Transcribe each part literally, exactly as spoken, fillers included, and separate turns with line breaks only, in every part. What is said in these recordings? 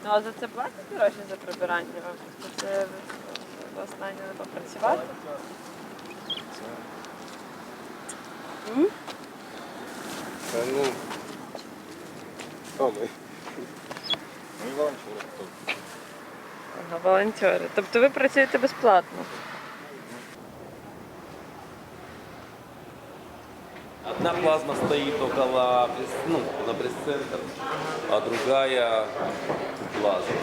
Ну а за це платять гроші за прибирання вам? Це ви останнє не попрацювати? М?
Та ну, хто ми? Ми волонтери.
Ага, волонтери. Тобто ви працюєте безплатно?
Одна плазма стоит около, ну, на пресс-центр, а другая плазма.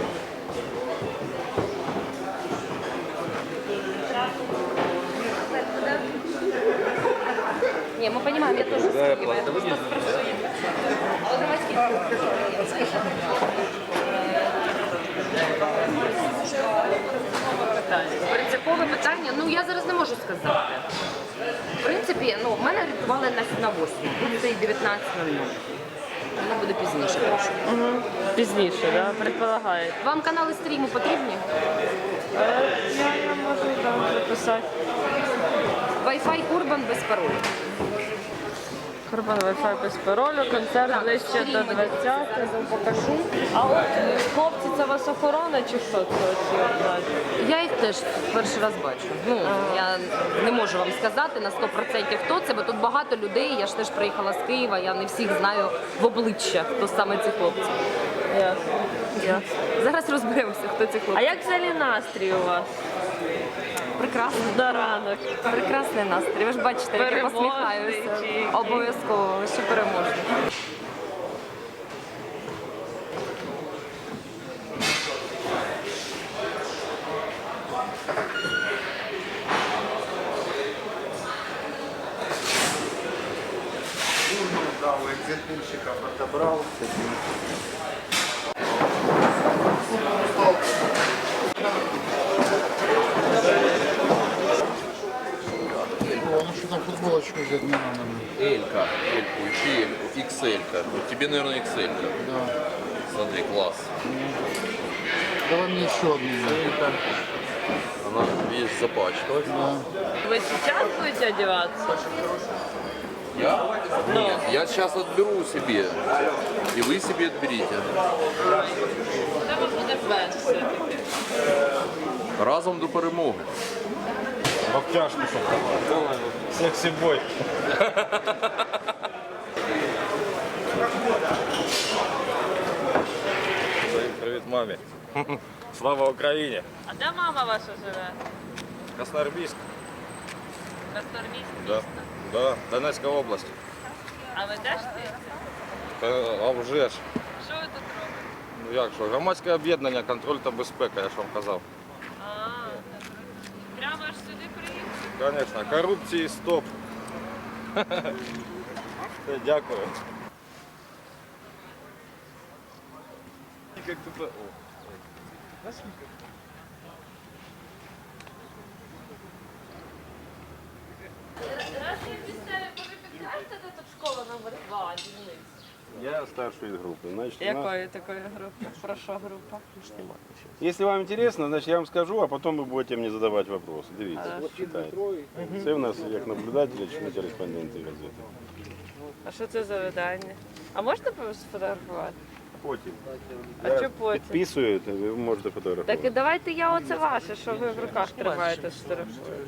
Не, мы понимаем, я тоже
Другая
скидываю. Я
плазма.
просто спрошу. А вот давайте. Принципове питання, ну я зараз не можу сказати. В принципі, ну, в мене орієнтували на, на восьму, тут це і дев'ятнадцять нуль нуль. Воно буде пізніше.
Угу. Пізніше, так? Да? Предполагаєте.
Вам канали стріму потрібні?
Е, я не можу там записати.
Wi-Fi Urban без паролю.
Корбан Wi-Fi без паролю, концерт
Так,
ближче
стрім
до
мені
двадцятого, покажу. А от е, хлопці, це вас охорона чи хто це оці однаті?
Я їх теж перший раз бачу. Ну, я не можу вам сказати на сто відсотків хто це, бо тут багато людей, я ж теж приїхала з Києва, я не всіх знаю в обличчя, хто саме ці хлопці.
Ясно. Ясно.
Зараз розберемося, хто ці
А
хлопці.
як взагалі настрій у вас?
Прекрасно.
До ранок.
Прекрасний настрій. Ви ж бачите, як я
Переможний
посміхаюся.
чи який?
Обов'язково, що переможний.
Да, у екзитпульщика отобрав.
О, ну что там футболочку взять не надо.
Элька, Эльку, ищи Эльку, икс эль-ка. Ну, тебе, наверное, икс эль-ка.
Да.
Смотри, класс.
Давай мне еще одну.
Она, видишь, запачкалась.
Да.
Ви зараз будете одягатися?
Я? Нет, я сейчас отберу себе. И вы себе отберите.
Треба буде без все-таки.
Разом до перемоги.
В обтяжку, щоб сексі-бой. Привіт мамі. Слава Україні.
А де мама ваша живе?
Красноармійськ.
Красноармійськ
Да.
місто.
Да, Донецька область.
А ви де ж ти?
Та, а вже ж.
Що ви тут робите?
Ну як що, громадське об'єднання, контроль та безпека, я ж вам казав.
А, прямо аж сюди приїхали?
Звісно, корупції стоп. Все, дякую. Як тут... О.
Разве місцеві повипікаєте, де тут школа номер два, дільниць?
Я старший из группы. Значит, у нас-
Якої такої групи? Про що група?
Если вам интересно, значит я вам скажу, а потом вы будете мне задавать вопросы. Дивіться, вот читайте. Це у нас як наблюдателі чи не кореспонденти газети.
А що це за видання? А можна сфотографувати?
Потім.
А
Я
що потім?
Підписую, то ви можете фотографувати.
Так і давайте я оце ваше, що ви в руках тримаєте сфотографуєте.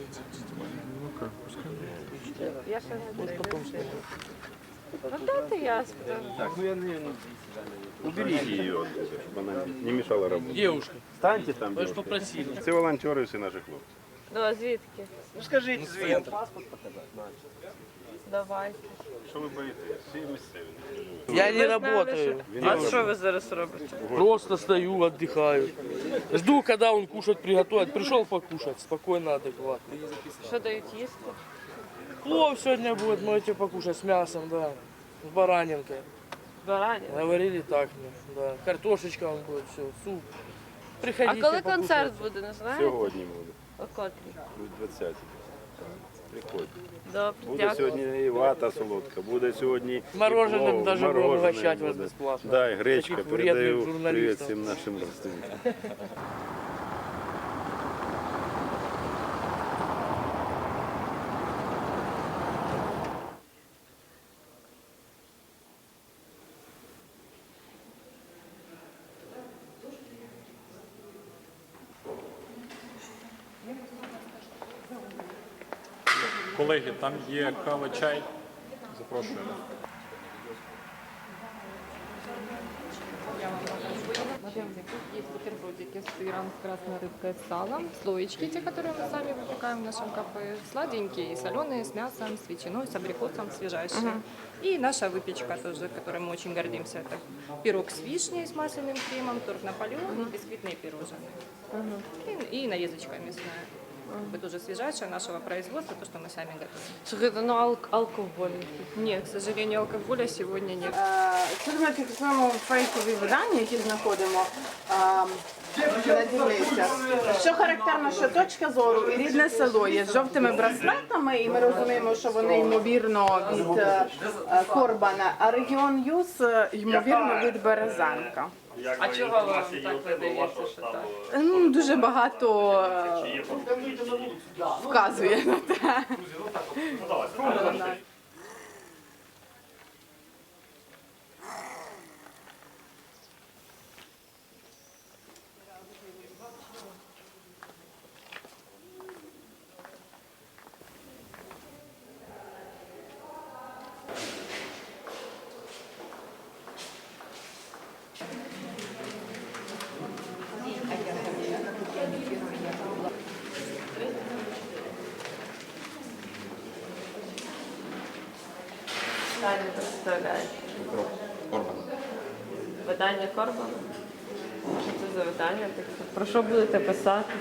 Я ще не дивлюся. Ну дайте я сфотографую.
Так, ну я не... Уберите її оттуда, щоб вона не мешала работе.
Девушка,
Станьте там,
вы же
девушка.
попросили.
Це волонтери всі наші хлопці.
Ну а звідки?
Ну скажіть звідки.
Давайте.
Що ви боїтесь? Всі місцеві.
Я не
Ви знали,
работаю.
що- А що ви зараз робите?
Просто стою, отдыхаю. Жду, когда он кушать приготовит. Пришел покушать, спокойно, адекватно.
Що дають їсти?
Плов сегодня будет, можете покушать с мясом, да. С баранинкой.
Барані.
Говорили так мне, да. Картошечка он будет, все, суп.
А
Приходите
коли
покушать.
концерт буде, не знаєте?
Сьогодні буде.
О котрій?
двадцять. Приходьте.
Добре,
Буде
дякую.
сьогодні і вата солодка, буде сьогодні і
Мороженим
плов,
даже будем
морожене
угощать вас
буде.
бесплатно.
Да, і гречка,
Таких вредных
передаю привіт
журналистов.
всім нашим родственникам.
Колеги, там є кава, чай. Запрошую.
Есть бутербродики с сыром, с красной рыбкой, с салом, слоечки, те, которые мы сами выпекаем в нашем кафе, сладенькие и соленые, с мясом, с ветчиной, с абрикосом, свежайшие. И наша выпечка тоже, которой мы очень гордимся, это пирог с вишней, с масляным кремом, торт Наполеон и бисквитные пирожные. И, и нарезочка мясная. Это тоже свежайшее нашего производства, то, что мы сами готовим. Слухайте, ну ал- алкоголь. Нет, к сожалению, алкоголя сегодня нет.
Це ми фіксуємо фейкові видання, які знаходимо. А, надивися. Що характерно, що точка зору і рідне село є з жовтими браслетами, і ми розуміємо, що вони ймовірно від е, е, Корбана, а регіон Юз е, ймовірно від Березанка.
А чого вам так видається, що так?
Ну, дуже багато е, вказує на те.
Питання представляє.
Корбан.
Видання Корбана? Що це за видання таке? Про що будете писати?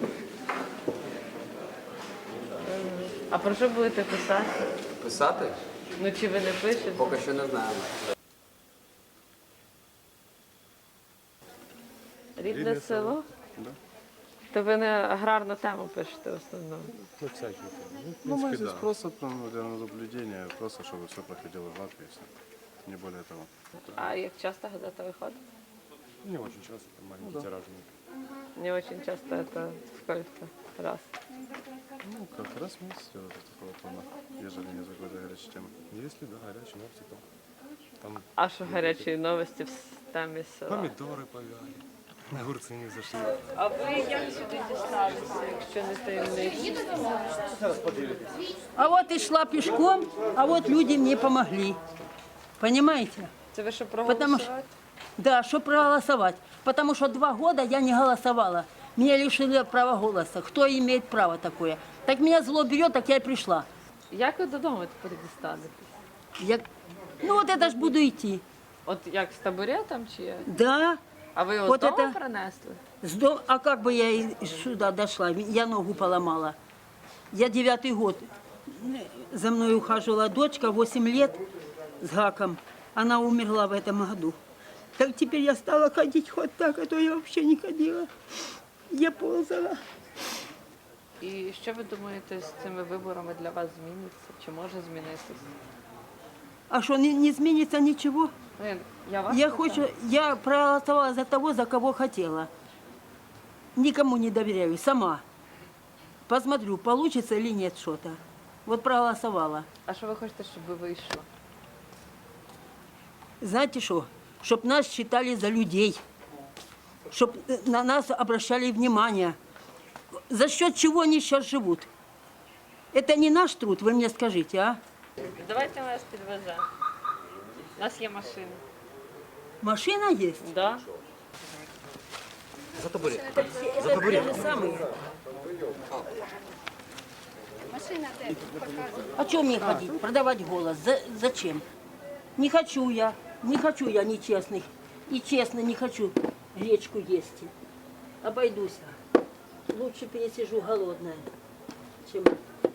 А про що будете писати?
Писати?
Ну чи ви не пишете?
Поки що не знаємо.
Рідне село? То ви не аграрну тему пишете в основному.
Ну, всякие. Ну, мы здесь просто там, для наблюдения, просто чтобы все проходило гладко и все. Не более того.
А як часто газета виходить?
Не очень часто, там маленький тираж.
Не очень часто, это сколько раз?
Ну, как раз в месяц делать такого плана, ежели не за какой-то горячей темы. Если, да, горячие новости, то там
А що гарячі новості в темі села?
помидоры повяли, огурцы не зашли.
А ви як сюди дісталися, якщо не таємниця?
А вот и шла пешком, а вот люди мне помогли. Понимаете?
Це ви що
Потому
проголосувати?
что, да, чтобы проголосовать. Потому что два года я не голосовала. Меня лишили права голоса. Кто имеет право такое? Так меня зло берет, так я и пришла.
Як ви додому тепер дістанетесь?
Я... Ну вот это ж буду идти.
От як з табуретом чи як?
Да.
А ви його
От
з дому
это-
принесли?
С дом- А как бы я и сюда дошла? Я ногу поломала. Я девятый год. За мной ухаживала дочка, восемь лет с гаком. Она умерла в этом году. Так теперь я стала ходить хоть так, а то я вообще не ходила. Я ползала.
І що ви думаєте, з цими виборами для вас зміниться? Чи може змінитися?
А что, не, не изменится ничего?
Ну, я, я вас
Я
питаю.
хочу, я проголосовала за того, за кого хотела. Никому не доверяю, сама. Посмотрю, получится или нет что-то. Вот проголосовала.
А що ви хочете, щоб ви вийшло?
Знаете что? Чтоб нас считали за людей. Чтоб на нас обращали внимание. За счет чего они сейчас живут? Это не наш труд, вы мне скажите, а?
Давайте ми вас підвеземо. У нас є машина.
Машина есть?
Да.
За табурет.
Это те же самые. А что мне ходить? Продавать голос? За- зачем? Не хочу я. Не хочу я нечестных. И честно не хочу гречку есть. Обойдусь. Лучше пересижу голодная, чем